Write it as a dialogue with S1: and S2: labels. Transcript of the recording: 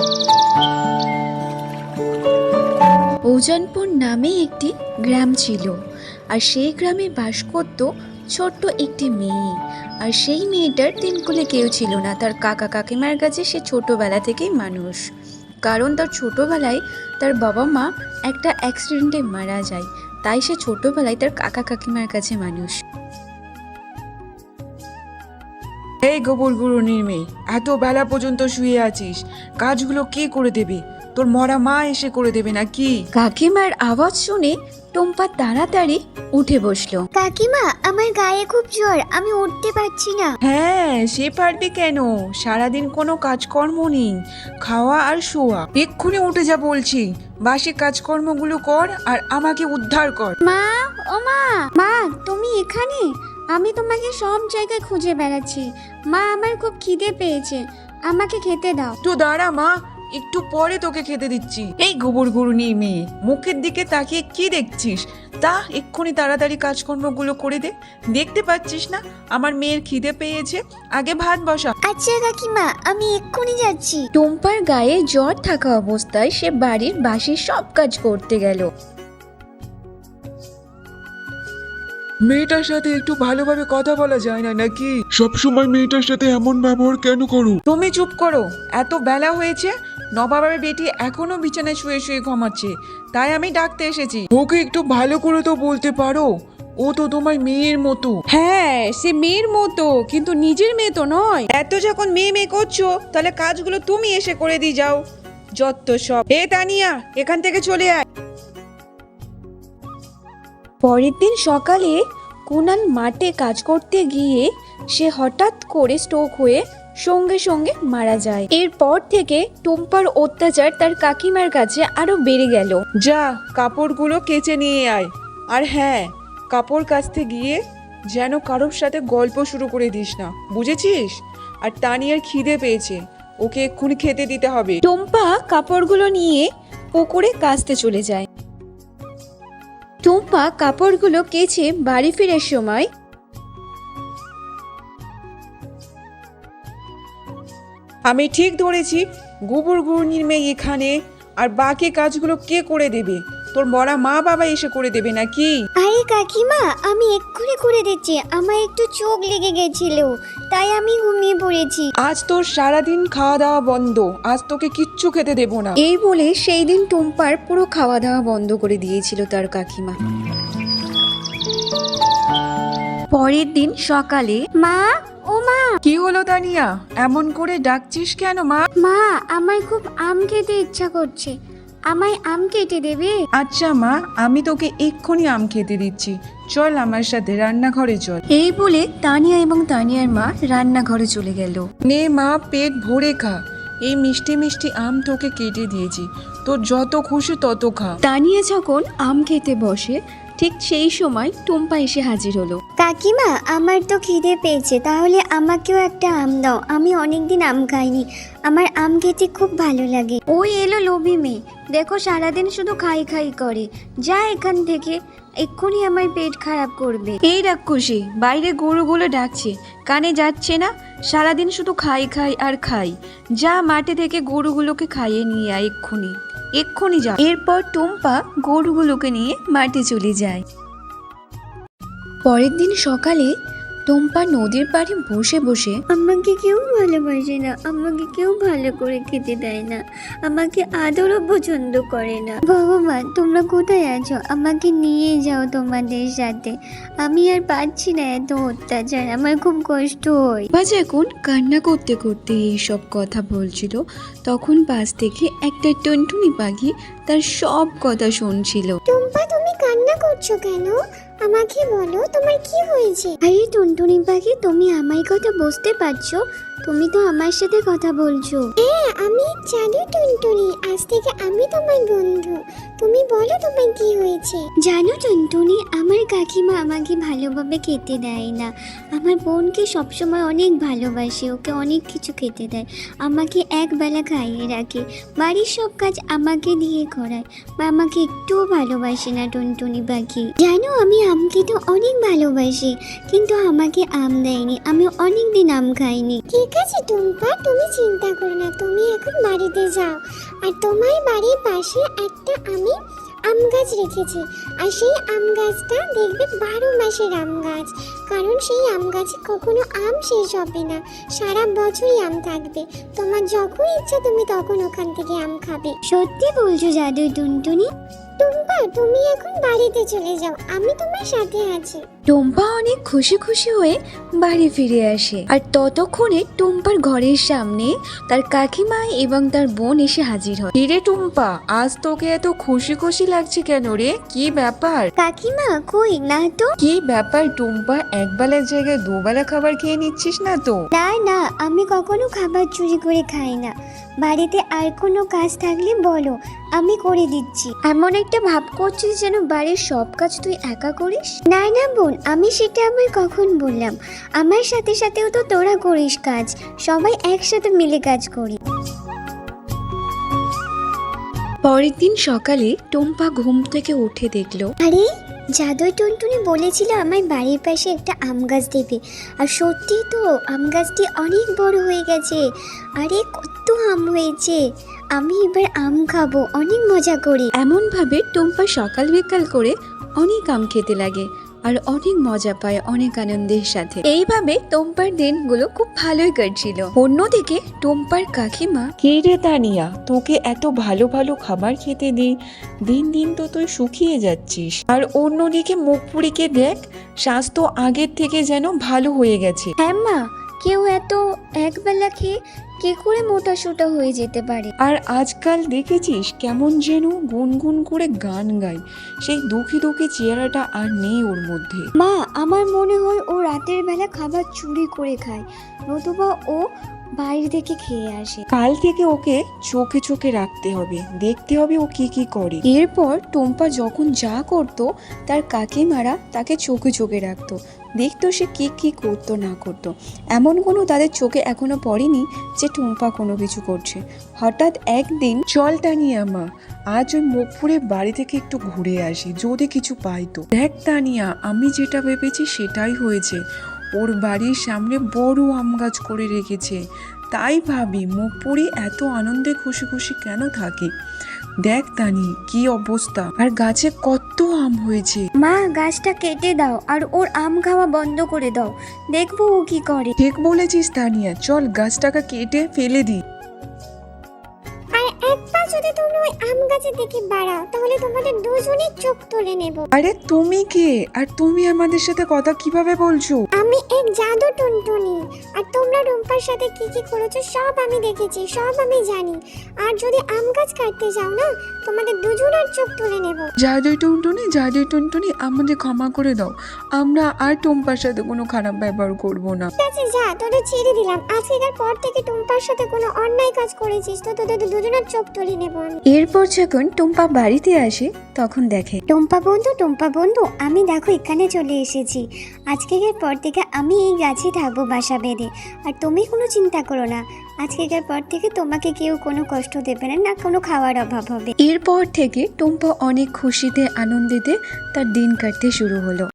S1: ওজনপুর নামে একটি গ্রাম ছিল, আর সেই গ্রামে বাস করত ছোট্ট একটি মেয়ে। আর সেই মেয়েটার তিনকুলে কেউ ছিল না। তার কাকা কাকিমার কাছে সে ছোটবেলা থেকেই মানুষ, কারণ তার ছোটবেলায় তার বাবা মা একটা অ্যাক্সিডেন্টে মারা যায়, তাই সে ছোটবেলায় তার কাকা কাকিমার কাছে মানুষ।
S2: এই গোবর গুঁড়োনির মেয়ে, এত বেলা পর্যন্ত শুয়ে আছিস, কাজগুলো কে করে দেবে? তোর মরা মা এসে করে দেবে নাকি?
S1: কাকিমার আওয়াজ শুনে টুম্পা তাড়াতাড়ি উঠে বসলো।
S3: কাকিমা, আমার গায়ে খুব জ্বর, আমি উঠতে পারছি না।
S2: হ্যাঁ, সে পারবে কেন? সারাদিন কোনো কাজকর্ম নেই, খাওয়া আর শোয়া। এক্ষুনি উঠে যা বলছি, বাসি কাজকর্মগুলো কর আর আমাকে উদ্ধার কর।
S3: মা, ও মা, মা তুমি এখানে? আমি তোমাকে সব জায়গায় খুঁজে বেড়াচ্ছি। মা, আমার খুব খিদে পেয়েছে, আমাকে খেতে দাও।
S2: তো দাঁড়া মা, একটু পরে তোকে খেতে দিচ্ছি। এই গোবর গুঁড়োনির মেয়ে, মুখের দিকে তাকিয়ে কি দেখছিস? তা এক্ষুনি তাড়াতাড়ি কাজকর্মগুলো করে দে। দেখতে পাচ্ছিস না আমার মেয়ের খিদে পেয়েছে? আগে ভাত বসা।
S3: আচ্ছা কাকিমা, আমি এক্ষুনি যাচ্ছি।
S1: টুম্পার গায়ে জ্বর থাকা অবস্থায় সে বাড়ির বাসি সব কাজ করতে গেল।
S4: মেয়েটার সাথে একটু ভালোভাবে কথা বলা যায় না নাকি? সবসময় মেয়েটার সাথে এমন ব্যবহার কেন করো?
S2: তুমি চুপ করো, এত বেলা হয়েছে, নবাবের বেটি এখনো বিছানায় শুয়ে শুয়ে ঘুমাচ্ছে, তাই আমি ডাকতে এসেছি।
S4: ওকে একটু ভালো করে তো বলতে পারো, ও তো তোমার মেয়ের মতো।
S2: হ্যাঁ, সে মেয়ের মতো, কিন্তু নিজের মেয়ে তো নয়। এত যখন মেয়ে মেয়ে করছো, তাহলে কাজগুলো তুমি এসে করে দিয়ে যাও। যত সব। এ তানিয়া, এখান থেকে চলে আয়।
S1: পরের দিন সকালে কুনাল মাঠে কাজ করতে গিয়ে সে হঠাৎ করে স্ট্রোক হয়ে সঙ্গে সঙ্গে মারা যায়। এরপর থেকে টুম্পার অত্যাচার তার কাকিমার কাছে আরো বেড়ে গেল।
S2: যা, কাপড়গুলো কেচে নিয়ে আয়। আর হ্যাঁ, কাপড় কাচতে গিয়ে যেন কারোর সাথে গল্প শুরু করে দিস না, বুঝেছিস? আর তানিয়ার খিদে পেয়েছে, ওকে এক্ষুনি খেতে দিতে হবে।
S1: টুম্পা কাপড়গুলো নিয়ে পুকুরে কাচতে চলে যায়। টুম্পা কাপড়গুলো কেচে বাড়ি ফেরার সময়
S2: আমি ঠিক ধরেছি, গোবর গুঁড়োনির মেয়ে এখানে, আর বাকি কাজগুলো কে করে দেবে? তোর মরা মা বাবা এসে করে দেবে নাকি?
S3: আরে কাকিমা, আমি এক্ষুনি করে দিচ্ছি। আমার একটু চোখ লেগে গেছিল, তাই আমি ঘুমিয়ে পড়েছি।
S2: আজ তোর সারাদিন খাওয়া দাওয়া বন্ধ, আজ তোকে কিচ্ছু খেতে দেবো না।
S1: এই বলে সেই দিন টুম্পার পুরো খাওয়া দাওয়া বন্ধ করে দিয়েছিল তার কাকিমা। পরের দিন সকালে
S3: মা, ও মা,
S2: কি হলো তানিয়া, এমন করে ডাকছিস কেন মা?
S3: মা আমার খুব আম খেতে ইচ্ছা করছে, আমায় আম কেটে দেবে?
S2: আচ্ছা মা, আমি তোকে এক্ষুনি আম খেতে দিচ্ছি, চল আমার সাথে রান্নাঘরে চল।
S1: এই বলে তানিয়া এবং তানিয়ার মা রান্নাঘরে চলে গেল।
S2: নে মা, পেট ভরে খা, এই মিষ্টি মিষ্টি আম তোকে কেটে দিয়েছি, তোর যত খুশি তত খা।
S1: তানিয়া যখন আম খেতে বসে, ঠিক সেই সময় টুম্পা এসে হাজির হলো।
S3: কাকিমা, আমার তো খিদে পেয়েছে, তাহলে আমাকেও একটা আম দাও। আমি অনেকদিন আম খাইনি, আমার আম খেতে খুব ভালো লাগে। ওই এলো লোভী মেয়ে, দেখো সারাদিন শুধু খাই খাই করে। যা এখান থেকে, এক্ষুনি আমার পেট খারাপ করবে।
S1: এই রাক্ষসী, বাইরে গরুগুলো ডাকছে, কানে যাচ্ছে না? সারাদিন শুধু খাই খাই আর খাই। যা মাঠে থেকে গরুগুলোকে খাইয়ে নিয়ে আয়, এক্ষুনি এক্ষুনি যা। এরপর টুম্পা গরুগুলোকে নিয়ে মাঠে চলে যায়। পরের দিন সকালে টুম্পা নদীর পাড়ে বসে বসে
S3: আমাকে কেউ ভালোবাসে না, আমাকে কেউ ভালো করে খেতে দেয় না, আমাকে আদরও পছন্দ করে না। ভগবান, তোমরা কোথায় আছো? আমাকে নিয়ে যাও তোমাদের সাথে। আমি আর পারছি না এত অত্যাচার, আমার খুব কষ্ট হয়।
S1: বা যখন কান্না করতে করতে এইসব কথা বলছিল, তখন পাশ থেকে একটা টুনটুনি পাখি তার সব কথা শুনছিল।
S3: টুম্পা, তুমি কান্না করছো কেন? আমাকে বলো, তোমার কি হয়েছে? আরে টুনটুনি পাখি, তুমি আমার কথা বুঝতে পারছো? তুমি তো আমার সাথে কথা বলছো। হ্যাঁ, আমি জানি টুনটুনি, আজ থেকে আমি তোমার বন্ধু। তুমি বলো তোমার কি হয়েছে? জানো টুনটুনি, আমার কাকিমা আমাকে ভালোভাবে খেতে দেয় না। আমার বোনকে সবসময় অনেক ভালোবাসে, ওকে অনেক কিছু খেতে দেয়, আমাকে একবেলা খাইয়ে রাখে, বাড়ির সব কাজ আমাকে দিয়ে করায়, বা আমাকে একটুও ভালোবাসে না টুনটুনি পাখি। জানো, আমি আম খেতে অনেক ভালোবাসি, কিন্তু আমাকে আম দেয়নি, আমি অনেক দিন আম খাইনি। কি ঠিক আছে টুম্পা, তুমি চিন্তা করো না, তুমি এখন বাড়িতে যাও। আর তোমার বাড়ির পাশে একটা আমি আম গাছ রেখেছি, আর সেই আম গাছটা দেখবে 12 মাসের আম গাছ, কারণ সেই আম গাছে কখনো আম শেষ হবে না, সারা বছরই আম থাকবে। তোমার যখন ইচ্ছা তুমি তখন ওখান থেকে আম খাবে। সত্যি বলছো জাদু টুনটুনি? টুম্পা, তুমি এখন বাড়িতে চলে যাও, আমি তোমার সাথে আছি।
S1: টুম্পা অনেক খুশি খুশি হয়ে বাড়ি ফিরে আসে, আর ততক্ষণে টুম্পার ঘরের সামনে তার কাকিমা এবং তার বোন এসে হাজির হয়।
S2: কিরে টুম্পা, আজ তোকে এত খুশি খুশি লাগছে কেন রে? কি ব্যাপার?
S3: কাকিমা কই না তো।
S2: কি ব্যাপার টুম্পা, একবেলার জায়গায় দুবেলা খাবার খেয়ে নিচ্ছিস না তো?
S3: না না, আমি কখনো খাবার চুরি করে খাই না। বাড়িতে আর কোনো কাজ থাকলে বলো, আমি করে দিচ্ছি।
S1: এমন একটা ভাব করছিস যেন বাড়ির সব কাজ তুই একা করিস।
S3: না না বোন, আমি সেটা আবার কখন বললাম? আমার সাথে সাথেও তো তোরা করিস কাজ, সবাই একসাথে মিলে কাজ করি।
S1: পরের দিন সকালে টুম্পা ঘুম থেকে উঠে দেখলো
S3: আরে, জাদুই টুনটুনি বলেছিল আমার বাড়ির পাশে একটা আম গাছ দেবে, আর সত্যি তো আম গাছটি অনেক বড় হয়ে গেছে। আরে কত আম হয়েছে, আমি এবার আম খাবো অনেক মজা করে।
S1: এমনভাবে টুম্পা সকাল বিকাল করে অনেক আম খেতে লাগে আর অনেক মজা পায় অনেক আনন্দের সাথে। এইভাবে টুম্পার দিনগুলো খুব ভালোই কাটছিল। অন্যদিকে টুম্পার কাকিমা
S2: কে রে তানিয়া, তোকে এত ভালো ভালো খাবার খেতে দিই, দিন দিন তো তুই শুকিয়ে যাচ্ছিস। আর অন্যদিকে মুখপুরীকে দেখ, স্বাস্থ্য আগের থেকে যেন ভালো হয়ে গেছে।
S1: হ্যাঁ মা, কেউ এত একবেলা খেয়ে কি করে মোটা সোটা হয়ে যেতে পারে?
S2: আর আজকাল দেখেছিস কেমন যেন গুনগুন করে গান গায়, সেই দুঃখী দুঃখী চেহারাটা আর নেই ওর মধ্যে।
S3: মা, আমার মনে হয় ও রাতের বেলা খাবার চুরি করে খায়, নতুবা ও বাইরে থেকে খেয়ে আসে।
S2: কাল থেকে ওকে চোখে চোখে রাখতে হবে, দেখতে হবে ও কি কি করে।
S1: এরপর টুম্পা যখন যা করতো তার কাকিমারা তাকে চোখে চোখে রাখতো, দেখতো সে কি কি করতো না করতো। এমন কোনো তাদের চোখে এখনো পড়েনি যে টুম্পা কোনো কিছু করছে। হঠাৎ একদিন
S2: চল তানিয়া মা, আজ ওই মুখপুরে বাড়ি থেকে একটু ঘুরে আসি, যদি কিছু পাই তো। দেখ তানিয়া, আমি যেটা ভেবেছি সেটাই হয়েছে। ওর বাড়ির সামনে বড় আম গাছ করে রেখেছে, তাই ভাবি মুখপুরি এত আনন্দে খুশি খুশি কেন থাকে। দেখ তানি কি অবস্থা, আর গাছে কত আম হয়েছে।
S3: মা, গাছটা কেটে দাও আর ওর আম খাওয়া বন্ধ করে দাও, দেখবো ও কি করে।
S2: ঠিক বলেছিস তানিয়া, চল গাছটাকে কেটে ফেলে দিই।
S3: আর একবার যদি তুমি ওই আম গাছের দিকে বাড়াও, তাহলে তোমাদের দুজনের চোখ তুলে নেব।
S2: আরে তুমি কে, আর তুমি আমাদের সাথে কথা কিভাবে বলছো?
S3: আমি এক জাদু টুনটুনি, আর তোমরা রুম্পার সাথে কি কি করেছো সব আমি দেখেছি, সব আমি জানি। আর যদি আম গাছ কাটতে যাও না, তোমাদের দুজনের চোখ তুলে নেব।
S2: জাদুই টুনটুনি, আমাদের ক্ষমা করে দাও, আমরা আর টুম্পার সাথে কোনো খারাপ ব্যবহার করব না।
S3: ঠিক আছে, যা, তোদের ছেড়ে দিলাম। আজকের পর থেকে টুম্পার সাথে কোনো অন্যায় কাজ করেছিস তো তোদের দুজনের চোখ তুলে নেব আমি।
S1: এরপর যখন টুম্পা বাড়িতে আসে তখন দেখে
S3: টুম্পা বন্ধু, আমি দেখো এখানে চলে এসেছি। আজকের পর থেকে আমি এই গাছে থাকবো বাসা বেঁধে, আর তুমি কোনো চিন্তা করো না, আজকের পর থেকে তোমাকে কেউ কোনো কষ্ট দেবে না, না কোনো খাওয়ার অভাব হবে।
S1: এরপর থেকে টুম্পা অনেক খুশিতে আনন্দিতে তার দিন কাটতে শুরু হলো।